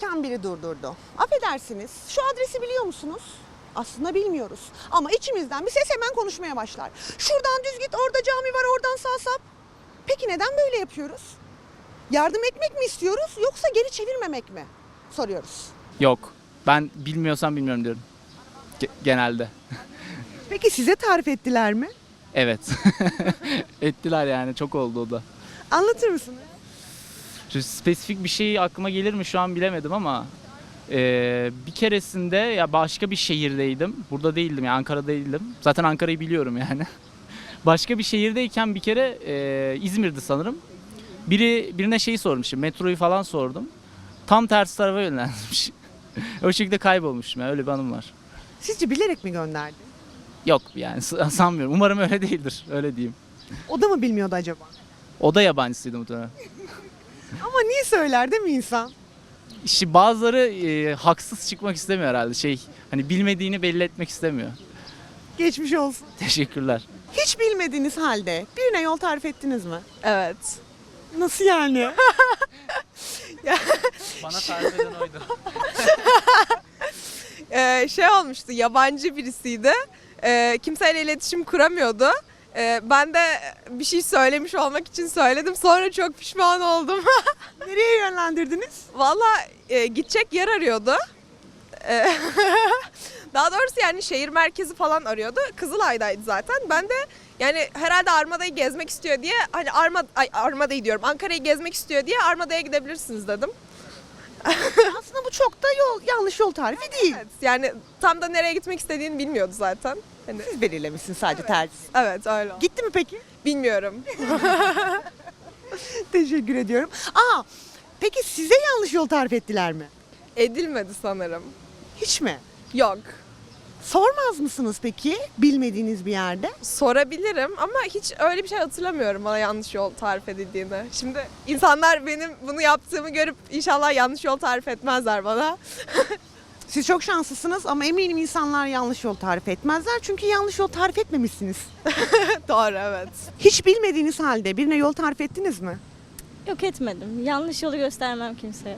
yürürken biri durdurdu. Affedersiniz, şu adresi biliyor musunuz? Aslında bilmiyoruz. Ama içimizden bir ses hemen konuşmaya başlar. Şuradan düz git, orada cami var, oradan sağ sap. Peki neden böyle yapıyoruz? Yardım etmek mi istiyoruz yoksa geri çevirmemek mi? Soruyoruz. Yok. Ben bilmiyorsam bilmiyorum diyorum. Genelde. Peki size tarif ettiler mi? Evet. Ettiler yani. Çok oldu o da. Anlatır mısınız? Şu spesifik bir şey aklıma gelir mi şu an bilemedim ama bir keresinde ya başka bir şehirdeydim. Burada değildim yani Ankara'da değildim. Zaten Ankara'yı biliyorum yani. Başka bir şehirdeyken bir kere İzmir'di sanırım. Birine şeyi sormuşum. Metroyu falan sordum. Tam tersi tarafa yönlendirmiş. O şekilde kaybolmuşum. Yani öyle bir anım var. Sizce bilerek mi gönderdi? Yok yani sanmıyorum. Umarım öyle değildir. Öyle diyeyim. O da mı bilmiyordu acaba? O da yabancısıydı muhtemelen. Ama niye söyler değil mi insan? İşte bazıları haksız çıkmak istemiyor herhalde. Hani bilmediğini belli etmek istemiyor. Geçmiş olsun. Teşekkürler. Hiç bilmediğiniz halde birine yol tarif ettiniz mi? Evet. Nasıl yani? Bana tarif eden oydu. Şey olmuştu, yabancı birisiydi. Kimseyle iletişim kuramıyordu. Ben de bir şey söylemiş olmak için söyledim. Sonra çok pişman oldum. Nereye yönlendirdiniz? Valla gidecek yer arıyordu. Daha doğrusu yani şehir merkezi falan arıyordu. Kızılay'daydı zaten. Ben de yani herhalde Armada'yı gezmek istiyor diye hani Armada'yı diyorum. Ankara'yı gezmek istiyor diye Armada'ya gidebilirsiniz dedim. Aslında bu çok da yanlış yol tarifi değil. Evet, yani tam da nereye gitmek istediğini bilmiyordu zaten. Hani, Siz belirlemişsiniz sadece tercih. evet öyle. Gitti mi peki? Bilmiyorum. Teşekkür ediyorum. Peki size yanlış yol tarif ettiler mi? Edilmedi sanırım. Hiç mi? Yok. Sormaz mısınız peki bilmediğiniz bir yerde? Sorabilirim ama hiç öyle bir şey hatırlamıyorum bana yanlış yol tarif edildiğini. Şimdi insanlar benim bunu yaptığımı görüp inşallah yanlış yol tarif etmezler bana. Siz çok şanslısınız ama eminim insanlar yanlış yol tarif etmezler çünkü yanlış yol tarif etmemişsiniz. Doğru, evet. Hiç bilmediğiniz halde birine yol tarif ettiniz mi? Yok etmedim. Yanlış yolu göstermem kimseye.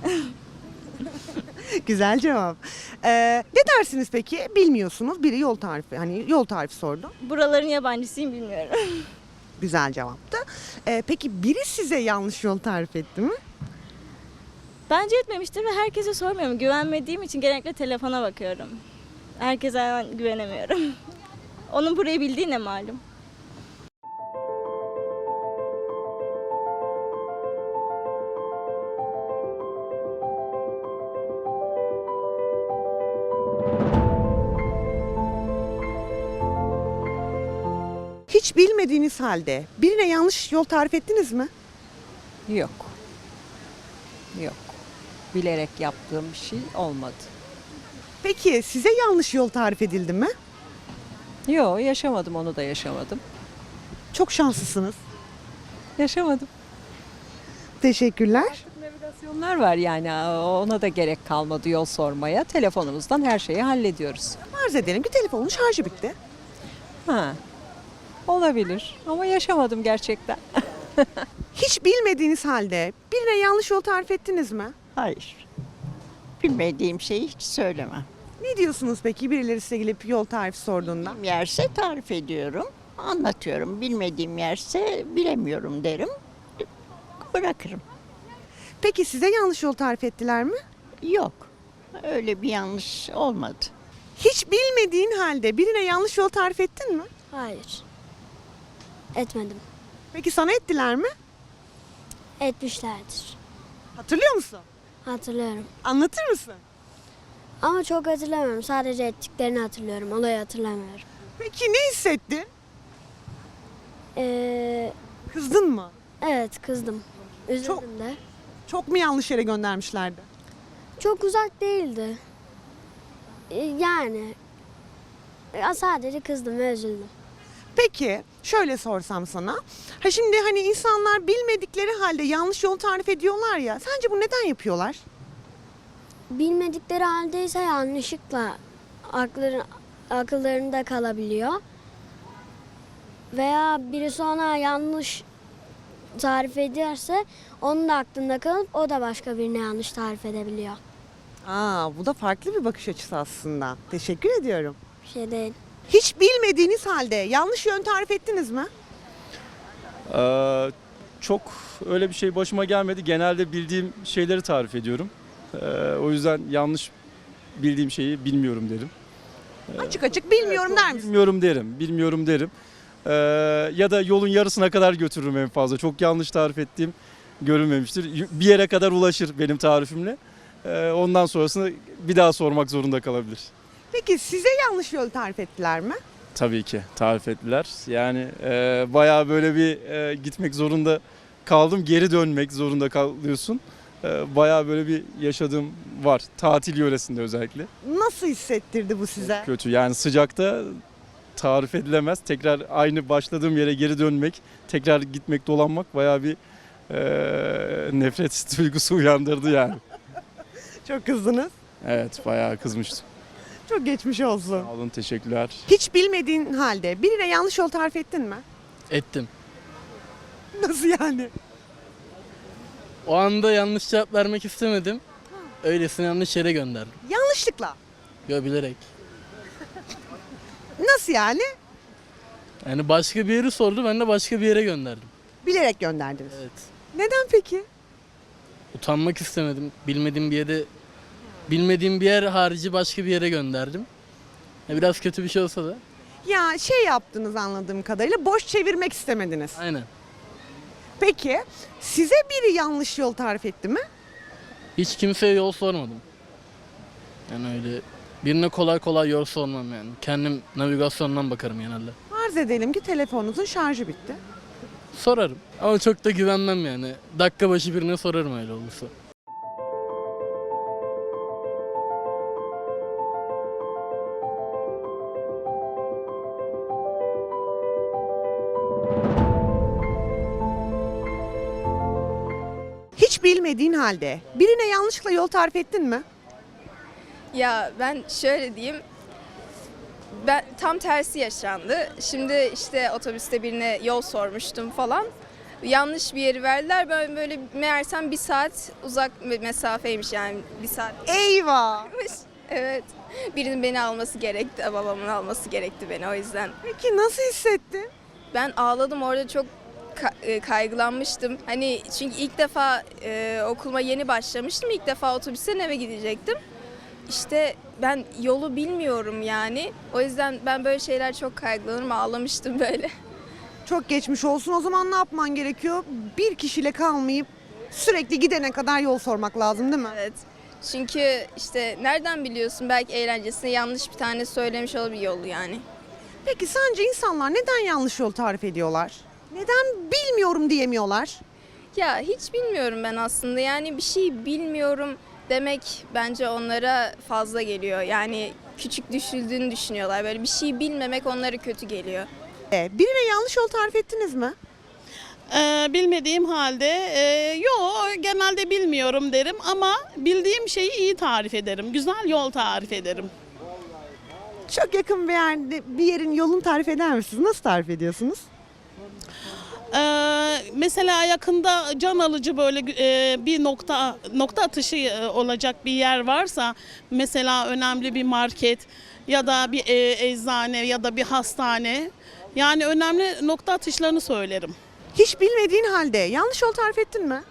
Güzel cevap. Ne dersiniz peki? Bilmiyorsunuz. Biri yol tarifi, hani yol tarifi sordu. Buraların yabancısıyım bilmiyorum. Güzel cevaptı. Peki biri size yanlış yol tarif etti mi? Bence etmemiştir ve herkese sormuyorum. Güvenmediğim için genellikle telefona bakıyorum. Herkese hemen güvenemiyorum. Onun burayı bildiği ne malum. Hiç bilmediğiniz halde birine yanlış yol tarif ettiniz mi? Yok. Yok. Bilerek yaptığım bir şey olmadı. Peki size yanlış yol tarif edildi mi? Yok, yaşamadım, onu da yaşamadım. Çok şanslısınız. Yaşamadım. Teşekkürler. Navigasyonlar var yani ona da gerek kalmadı yol sormaya. Telefonumuzdan her şeyi hallediyoruz. Farz edelim ki telefonun şarjı bitti. Ha. Olabilir ama yaşamadım gerçekten. Hiç bilmediğiniz halde birine yanlış yol tarif ettiniz mi? Hayır. Bilmediğim şeyi hiç söylemem. Ne diyorsunuz peki birileri size gelip yol tarifi sorduğunda? Bilmediğim yerse tarif ediyorum, anlatıyorum. Bilmediğim yerse bilemiyorum derim, bırakırım. Peki size yanlış yol tarif ettiler mi? Yok, öyle bir yanlış olmadı. Hiç bilmediğin halde birine yanlış yol tarif ettin mi? Hayır. Etmedim. Peki sana ettiler mi? Etmişlerdir. Hatırlıyor musun? Hatırlıyorum. Anlatır mısın? Ama çok hatırlamıyorum. Sadece ettiklerini hatırlıyorum. Olayı hatırlamıyorum. Peki ne hissettin? Ee, Kızdın mı? evet kızdım. Üzüldüm Çok- de. Çok mu yanlış yere göndermişlerdi? Çok uzak değildi. Yani sadece kızdım ve üzüldüm. Peki şöyle sorsam sana. Şimdi hani insanlar bilmedikleri halde yanlış yol tarif ediyorlar ya. Sence bu neden yapıyorlar? Bilmedikleri haldeyse yanlışlıkla akıllarında kalabiliyor. Veya birisi ona yanlış tarif ediyorsa onun da aklında kalıp o da başka birine yanlış tarif edebiliyor. Bu da farklı bir bakış açısı aslında. Teşekkür ediyorum. Bir şey değil. Hiç bilmediğiniz halde yanlış yön tarif ettiniz mi? Çok öyle bir şey başıma gelmedi. Genelde bildiğim şeyleri tarif ediyorum. O yüzden yanlış bildiğim şeyi bilmiyorum derim. Açık açık bilmiyorum der misin? Bilmiyorum derim. Ya da yolun yarısına kadar götürürüm en fazla. Çok yanlış tarif ettiğim görülmemiştir. Bir yere kadar ulaşır benim tarifimle. Ondan sonrasını bir daha sormak zorunda kalabilir. Peki size yanlış yol tarif ettiler mi? Tabii ki tarif ettiler. Yani bayağı böyle bir gitmek zorunda kaldım. Geri dönmek zorunda kalıyorsun. Bayağı böyle bir yaşadığım var. Tatil yöresinde özellikle. Nasıl hissettirdi bu size? Kötü yani sıcakta tarif edilemez. Tekrar aynı başladığım yere geri dönmek, tekrar gitmek, dolanmak bayağı bir nefret duygusu uyandırdı yani. Çok kızdınız. Evet bayağı kızmıştım. Çok geçmiş olsun. Sağ olun, teşekkürler. Hiç bilmediğin halde birine yanlış yol tarif ettin mi? Ettim. Nasıl yani? O anda yanlış cevap vermek istemedim. Öylesine yanlış yere gönderdim. Yanlışlıkla. Yo, bilerek. Nasıl yani? Yani başka bir yeri sordu, ben de başka bir yere gönderdim. Bilerek gönderdiniz. Evet. Neden peki? Utanmak istemedim. Bilmediğim bir yer harici başka bir yere gönderdim. Biraz kötü bir şey olsa da. Ya şey yaptınız anladığım kadarıyla, boş çevirmek istemediniz. Aynen. Peki size biri yanlış yol tarif etti mi? Hiç kimseye yol sormadım. Yani öyle birine kolay kolay yol sormam yani. Kendim navigasyondan bakarım genelde. Farz edelim ki telefonunuzun şarjı bitti. Sorarım ama çok da güvenmem yani. Dakika başı birine sorarım öyle olursa. Hiç bilmediğin halde birine yanlışlıkla yol tarif ettin mi? Ya ben şöyle diyeyim. Ben tam tersi yaşandı. Şimdi işte otobüste birine yol sormuştum falan. Yanlış bir yeri verdiler. Ben böyle meğersem 1 saat uzak mesafeymiş yani 1 saat. Eyvah! Evet. Birinin beni alması gerekti. Babamın alması gerekti beni o yüzden. Peki nasıl hissettin? Ben ağladım orada, çok kaygılanmıştım. Hani çünkü ilk defa okuluma yeni başlamıştım. İlk defa otobüsten eve gidecektim. İşte ben yolu bilmiyorum yani. O yüzden ben böyle şeyler çok kaygılanırım. Ağlamıştım böyle. Çok geçmiş olsun. O zaman ne yapman gerekiyor? Bir kişiyle kalmayıp sürekli gidene kadar yol sormak lazım değil mi? Evet. Çünkü işte nereden biliyorsun, belki eğlencesine yanlış bir tane söylemiş olabilir yolu yani. Peki sence insanlar neden yanlış yol tarif ediyorlar? Neden bilmiyorum diyemiyorlar? Ya hiç bilmiyorum ben aslında, yani bir şey bilmiyorum demek bence onlara fazla geliyor. Yani küçük düşüldüğünü düşünüyorlar. Böyle bir şey bilmemek onlara kötü geliyor. Birine yanlış yol tarif ettiniz mi? Bilmediğim halde genelde bilmiyorum derim ama bildiğim şeyi iyi tarif ederim. Güzel yol tarif ederim. Çok yakın bir yerde bir yerin yolunu tarif eder misiniz? Nasıl tarif ediyorsunuz? Mesela yakında can alıcı böyle bir nokta atışı olacak bir yer varsa, mesela önemli bir market ya da bir eczane ya da bir hastane, yani önemli nokta atışlarını söylerim. Hiç bilmediğin halde yanlış yol tarif ettin mi?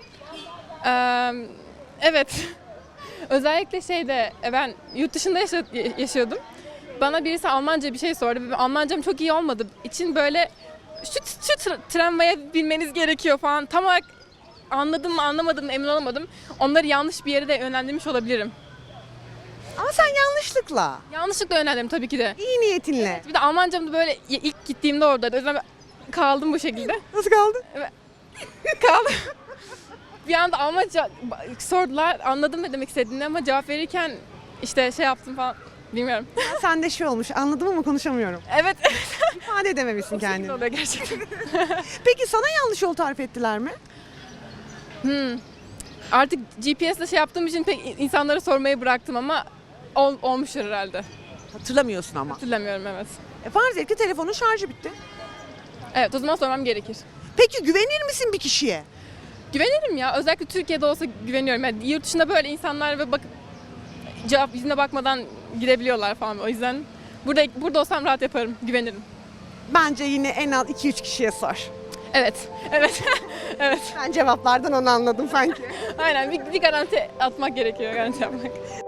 Evet. Özellikle ben yurt dışında yaşıyordum. Bana birisi Almanca bir şey sordu. Almancam çok iyi olmadığı için böyle şu tramvaya binmeniz gerekiyor falan. Tam olarak anladım mı anlamadım mı emin olamadım. Onları yanlış bir yere de yönlendirmiş olabilirim. Ama sen yanlışlıkla. Yanlışlıkla yönlendirdim tabii ki de. İyi niyetinle. Bir de Almancam da böyle ilk gittiğimde oradaydı. O yüzden kaldım bu şekilde. Nasıl kaldı? Kaldım. Bir anda Almanca sordular. Anladım ne demek istediğini ama cevap verirken işte yaptım falan. Bilmiyorum. Sende şey olmuş, anladım ama konuşamıyorum. Evet. İfade edememişsin kendini. Oluyor gerçekten. Peki sana yanlış yol tarif ettiler mi? Artık GPS'le yaptığım için pek insanlara sormayı bıraktım ama olmuştur herhalde. Hatırlamıyorsun ama. Hatırlamıyorum, evet. Farz et ki telefonun şarjı bitti. Evet, o zaman sormam gerekir. Peki güvenir misin bir kişiye? Güvenirim ya. Özellikle Türkiye'de olsa güveniyorum. Yani yurt dışında böyle insanlar ve cevap yüzüne bakmadan gidebiliyorlar falan. O yüzden burada olsam rahat yaparım. Güvenirim. Bence yine en az 2-3 kişiye sor. Evet. Evet. Evet. Ben cevaplardan onu anladım sanki. Aynen. Bir garanti atmak gerekiyor. Garanti yapmak.